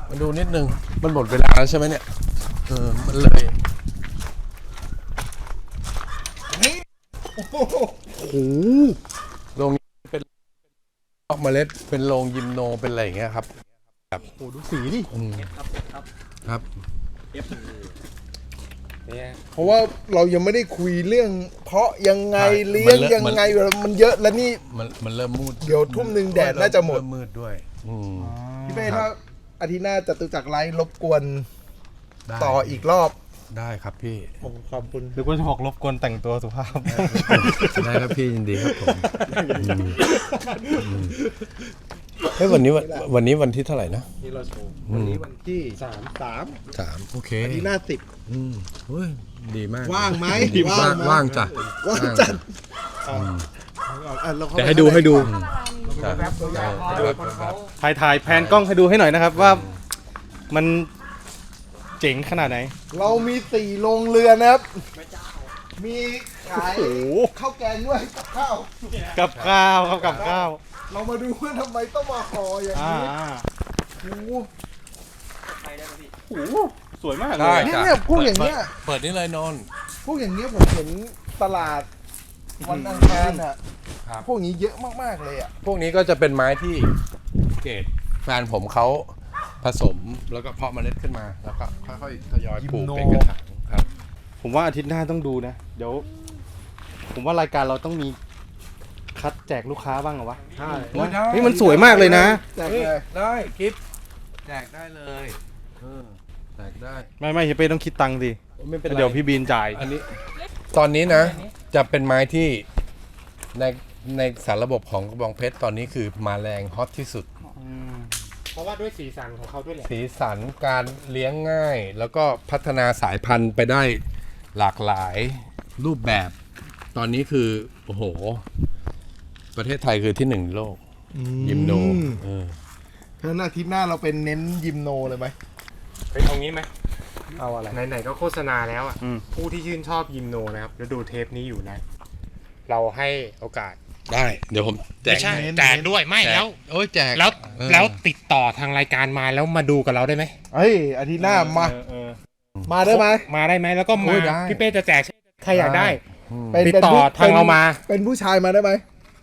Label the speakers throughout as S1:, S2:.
S1: มาดูนิดนึงมันหมดเวลาแล้วใช่ไหมเนี่ยมันเลยโอ้โหโรงเป็นออกเมล็ดเป็นโรงยิมโนเป็นอะไรอย่างเงี้ยครับแบบโอ้ดูสีดิครับ
S2: เพราะว่าเรายังไม่ได้คุยเรื่องเพาะยังไงเลี้ยงยังไงมันเยอะแล้วนี่
S1: มันเริ่มมืด
S2: เดี๋ยวทุ่มหนึ่งแดดน่าจะหมด
S1: มืดด้วย
S2: พี่เป้ถ้าอาทิตย์หน้าจตุจักรไลฟ์รบกวนต่ออีกรอบ
S1: ได้ครับพี่
S2: ขอบคุณ
S3: หรือว่าจะบอกรบกวนแต่งตัวสุภาพ
S1: ได้ครับพี่ยินดีครับผมเฮ้ยวันนี้วันที่เท่าไหร่นะ
S2: นี่เราโชว์วันนี้วันที่3
S1: โอเค
S2: อาทิตย์หน้า
S1: เฮ้ยดีมาก
S2: ว่างไหม
S1: ว่างจ้ะ
S2: ว่างจัด
S3: เดี๋ยวให้ดูถ่ายแพนกล้องให้ดูให้หน่อยนะครับว่ามันเจ๋งขนาดไหน
S2: เรามี4โรงเรือนนะครับมีขายข้าวแกงด้วยกับข้าว
S3: ครับกับข้าว
S2: เรามาดูว่าทำไมต้องมาห่ออย่างนี้
S3: โอ้โหสวยมาก
S1: เลย
S2: เนี่ยพวกอย่างเงี้ย
S1: เปิดนี่เลยนน
S2: พวกอย่างเงี้ยผมเห็นตลาดวันอังคารอ่ะพวกนี้เยอะมากๆเลยอ่ะ
S1: พวกนี้ก็จะเป็นไม้ที่เกรดแฟนผมเขาผสมแล้วก็เพาะเมล็ดขึ้นมาแล้วก็ค่อยๆทยอยปลูกเป็นกระถางครับ
S3: ผมว่าอาทิตย์หน้าต้องดูนะเดี๋ยวผมว่ารายการเราต้องมีคัดแจกลูกค้าบ้างเหรอวะ
S2: ใช่
S3: นี่มันสวยมากเลยนะ
S2: แจกเลย
S1: ได้กิฟต์แจกได้เลยแจกได้
S3: ไม่เฮเป้ต้องคิดตังค์สิเดี๋ยวพี่บีนจ่าย
S1: อันนี้ตอนนี้นะจะเป็นไม้ที่ในสารระบบของกระบองเพชรตอนนี้คือมาแรงฮอตที่สุด
S3: เพราะว่าด้วยสีสันของเขาด้วยแหละ
S1: สีสันการเลี้ยงง่ายแล้วก็พัฒนาสายพันธุ์ไปได้หลากหลายรูปแบบตอนนี้คือโอ้โหประเทศไทยคือที่1โลกยิมโน
S2: เพราะอาทิตย์หน้าเราเป็นเน้นยิมโนเลยไหม
S3: เป็นตรงนี้ไหม
S2: เอาอะไร
S3: ไหนๆก็โฆษณาแล้วอ่ะผู้ที่ชื่นชอบยิมโนนะครับแล้วดูเทปนี้อยู่นะเราให้โอกาส
S1: ได้เดี๋ยวผมแ
S3: จกด้วยไม่แล้ว
S1: แจก
S3: แล้วติดต่อทางรายการมาแล้วมาดูกับเราได้ไหม
S2: อาทิตย์หน้ามาได้ไหม
S3: แล้วก็มาพี่เป้จะแจกใครอยากได้ติดต่อทางเรามา
S2: เป็นผู้ชายมาได้ไหม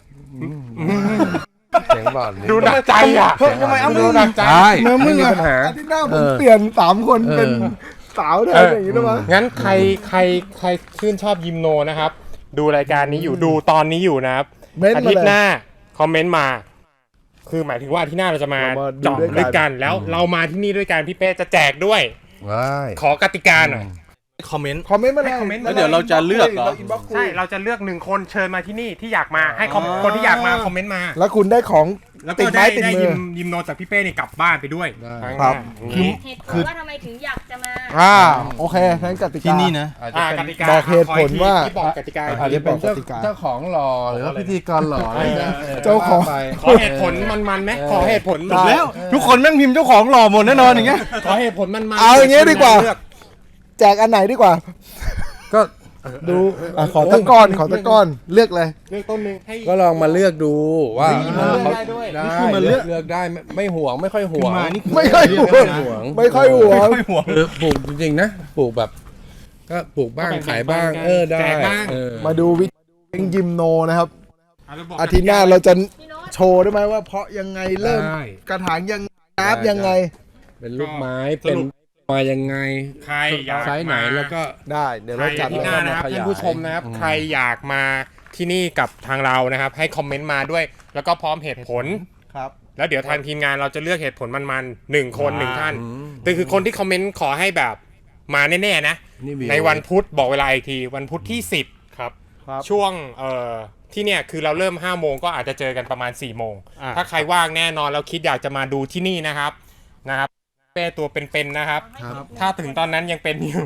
S1: เสียงบอล
S3: ดูหนักใจอ่ะ
S2: ทำไม
S1: ดูหนักใจ
S2: ไม่มีปัญหาอาทิตย์หน้าผมเปลี่ยน3คนเป็นสาวได้อย่างนี้ได้ไหม
S3: งั้นใครชื่นชอบยิมโนนะครับดูรายการนี้อยู่ดูตอนนี้อยู่นะครับอาทิตย์หน้าคอมเมนต์มาคือหมายถึงว่าอาทิตย์หน้าเราจะมาเจาะด้วยกันแล้วเรามาที่นี่ด้วยกันพี่เป้จะแจกด้วยขอกติกาหน่อยคอมเมนต์
S2: มาเลย
S3: แล้วเดี๋ยวเราจะเลือกใช่เราจะเลือก1คนเชิญมาที่นี่ที่อยากมาให้คนที่อยากมาคอมเมนต์มา
S2: แล้วคุณได้ของ
S3: ติดไม้ติดมือยิมโนจากพี่เป้นี่กลับบ้านไปด้วย
S2: ครับ
S4: เหตุผลว่าทำไมถึงอยากจะมา
S2: โอเคงั้นกติกา
S3: ที่นี่นะ
S2: บอกเหตุผลว่า
S3: บอกกติกา
S2: อาจจะเป็น
S1: เจ้าของหล่อหรือว่าพิธีกรหล่ออะไร
S2: เจ้าของ
S3: ขอเหตุผลมันไหมขอเหตุผล
S2: แล้วทุกคนแม่งพิมพ์เจ้าของหล่อหมดแน่นอนอย่างเงี้ย
S3: ขอเหตุผลมัน
S2: เอาอย่างเงี้ยดีกว่าแจกอันไหนดีกว่าก็ดูขอตะก้อนเลือกเลย
S3: เลือกต้นนึงให้
S1: ก็ลองมาเลือกดูว่า
S3: เขา
S1: ได้มาเลือกได้ไม่ห่วงไม่ค่อยห่วง
S2: ไม่ค่อยห่วง
S1: ปลูกจริงๆนะปลูกแบบก็ปลูกบ้างขายบ้างได้
S2: มาดูวิธียิมโนนะครับอาทิตย์หน้าเราจะโชว์ได้ไหมว่าเพาะยังไงเริ่มกระถางยังนับยังไง
S1: เป็นลูกไม้เป็นมายังไง
S3: ใครอยาก
S1: ไซส์ไหนแล้วก็
S2: ได้เดี๋ยวเราจัด
S3: ที่หน้านะครับท่านผู้ชมนะครับใครอยากมาที่นี่กับทางเรานะครับให้คอมเมนต์มาด้วยแล้วก็พร้อมเหตุผล
S2: ครับ
S3: แล้วเดี๋ยวทางทีมงานเราจะเลือกเหตุผลมัน1คน1ท่านแต่คือคนที่คอมเมนต์ขอให้แบบมาแน่ๆนะในวันพุธบอกเวลาอีกทีวันพุธที่10ครับช่วงที่เนี่ยคือเราเริ่ม5 โมงก็อาจจะเจอกันประมาณ4 โมงถ้าใครว่างแน่นอนแล้วคิดอยากจะมาดูที่นี่นะครับเป้ตัวเป็นๆนะครับถ้าถึงตอนนั้นยังเป็นอยู่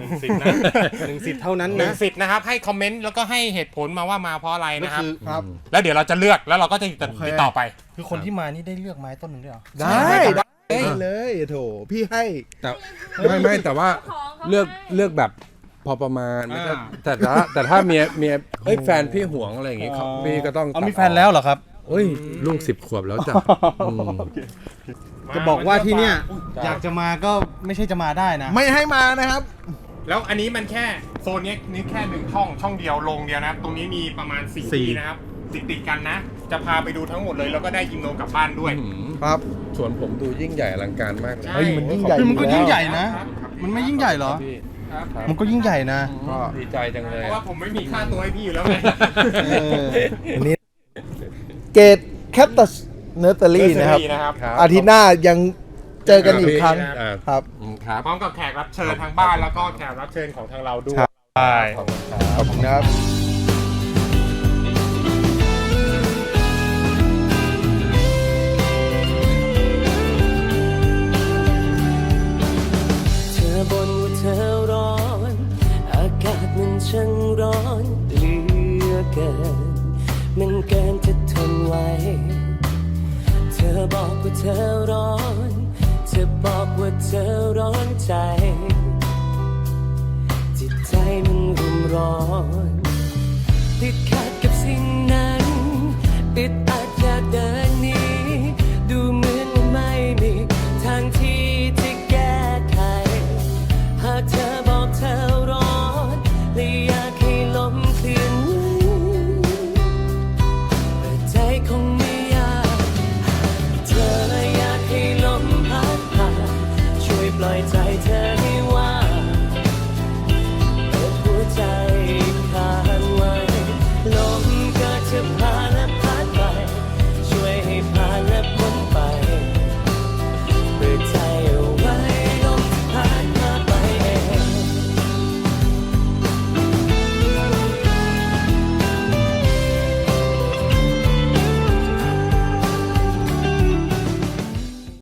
S2: 1 สิทธิ์เท่านั้นนะ
S3: 1 สิทธิ์นะครับให้คอมเมนต์แล้วก็ให้เหตุผลมาว่ามาเพราะอะไรนะครับแล้วเดี๋ยวเราจะเลือกแล้วเราก็จะติดต่อไป
S5: คือคนที่มานี่ได้เลือกไม้ต้นหนึ่งด้วยหรอ
S2: ได้เลยโถพี่ให้
S1: แต่ไม่แต่ว่าเลือกแบบพอประมาณแต่ถ้าเมียแฟนพี่ห่วงอะไรอย่างงี้พี่ก็ต้อง
S5: มีแฟนแล้วเหรอครับ
S1: ลูก10 ขวบแล้วจ้ะ
S2: จะบอกว่าที่เนี่ย
S5: อยากจะมาก็ไม่ใช่จะมาได้นะ
S2: ไม่ให้มานะครับ
S3: แล้วอันนี้มันแค่โซนนี้นี่แค่หนึ่งช่องเดียวลงเดียวนะครับตรงนี้มีประมาณ4ที่นะครับติดกันนะ จะพาไปดูทั้งหมดเลยแล้วก็ได้ยิมโนกลับบ้านด้วย
S2: ครับ
S1: ส่วนผมดูยิ่งใหญ่อลังการมากเลย
S2: เฮ้ยมันยิ่งใหญ่
S5: มันก็ยิ่งใหญ่นะ
S3: ครับ
S5: มันไม่ยิ่งใหญ่เหรอ
S1: พี่
S3: ครับ
S5: มันก็ยิ่งใหญ่นะ
S1: ก็ดีใจจังเลย
S3: เพราะว่าผมไม่มีค่าตัวให้พี่อยู่แล้วไง
S2: อันนี้เกตแคตตัสเนอร์เตอรี่นะครับ
S3: นะครับ
S1: ครับ
S2: อาทิตย์หน้ายังเจอกันอีกครั้ง
S1: อ่า
S2: ครับ
S1: ครับ
S3: พร้อมกับแขกรับเชิญทางบ้านแล้วก็แขกรับเชิญของทางเราด้วย
S2: ใช่
S1: ขอบคุณครับ
S2: ขอบคุณครับ
S6: เธอบ่นว่าเธอร้อน อากาศมันช่างร้อนเหลือเกิน มันเกินจะทนไหว เธอบอกว่าเธอร้อน เธอบอกว่าเธอร้อนใจ จิตใจมันรุ่มร้อนติดขัด